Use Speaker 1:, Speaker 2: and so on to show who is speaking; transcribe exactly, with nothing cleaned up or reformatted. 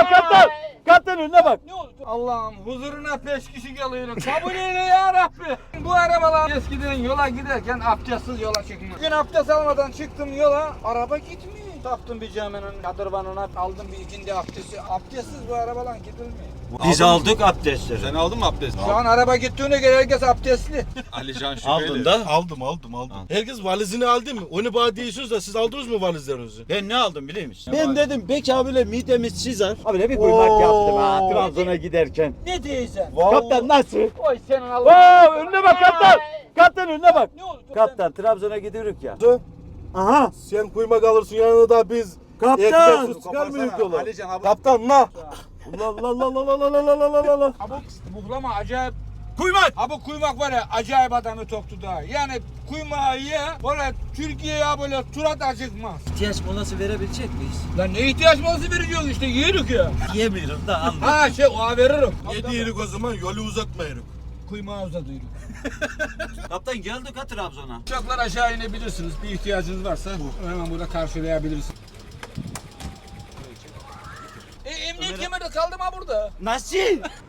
Speaker 1: kaptan. Kaptan önüne bak.
Speaker 2: Ne oldu? Allah'ım huzuruna peş kişi geliyorum. Kabul eyle ya Rabbi. Bu arabalar eskiden yola giderken abdestsiz yola çıkmaz. Bugün abdest almadan çıktım yola. Araba gitmiyor. Taptım bir caminin kadırvanına, aldım bir ikindi abdesti. Abdestsiz bu arabalar gidilmiyor.
Speaker 1: Biz aldık abdestleri.
Speaker 3: Sen aldın mı abdest?
Speaker 2: Şu an araba gittiğine göre herkes abdestli.
Speaker 3: Alican şüpheli.
Speaker 1: Aldın da.
Speaker 4: Aldım aldım aldım. Herkes valizini aldı mı? Onu bana diyorsunuz da siz aldınız mı valizlerinizi?
Speaker 1: Ben ne aldım biliyor musun? Ben dedim belki abiyle midemiz çizer. Abi bir kuymak yaptım ha Trabzon'a giderken.
Speaker 2: Ne diyeceksin?
Speaker 1: Kaptan nasıl?
Speaker 2: Oy senin Allah.
Speaker 1: Wow, önüne bak kaptan. Kaptan önüne bak.
Speaker 2: Ne oldu?
Speaker 1: Kaptan Trabzon'a gidiyoruz ya.
Speaker 4: Aha. Sen kuymak alırsın yanına da biz.
Speaker 1: Kaptan.
Speaker 4: Ekmeksiz çıkar mıyız yola?
Speaker 3: Alican abi.
Speaker 4: Kaptan la. La la la la la la la la la la la.
Speaker 2: Abi buhlama acayip.
Speaker 4: Kuymak.
Speaker 2: Abi kuymak var ya acayip adamı toktu da. Yani kuymağı ye böyle Türkiye'ye böyle turat acıkmaz.
Speaker 1: İhtiyaç molası verebilecek miyiz?
Speaker 2: Lan ne ihtiyaç molası veriyorsun işte yiyoruz ya.
Speaker 1: Yemiyorum da anladım.
Speaker 2: Ha şey o veririm.
Speaker 4: Yedi yerik o zaman yolu uzatmayırık.
Speaker 2: Kuymağı uzatıyoruz.
Speaker 1: Kaptan geldik ha Trabzon'a.
Speaker 2: Uçaklar aşağı inebilirsiniz. Bir ihtiyacınız varsa hemen burada karşılayabilirsiniz. E, emniyet kemeri kaldı mı burada?
Speaker 1: Nasıl?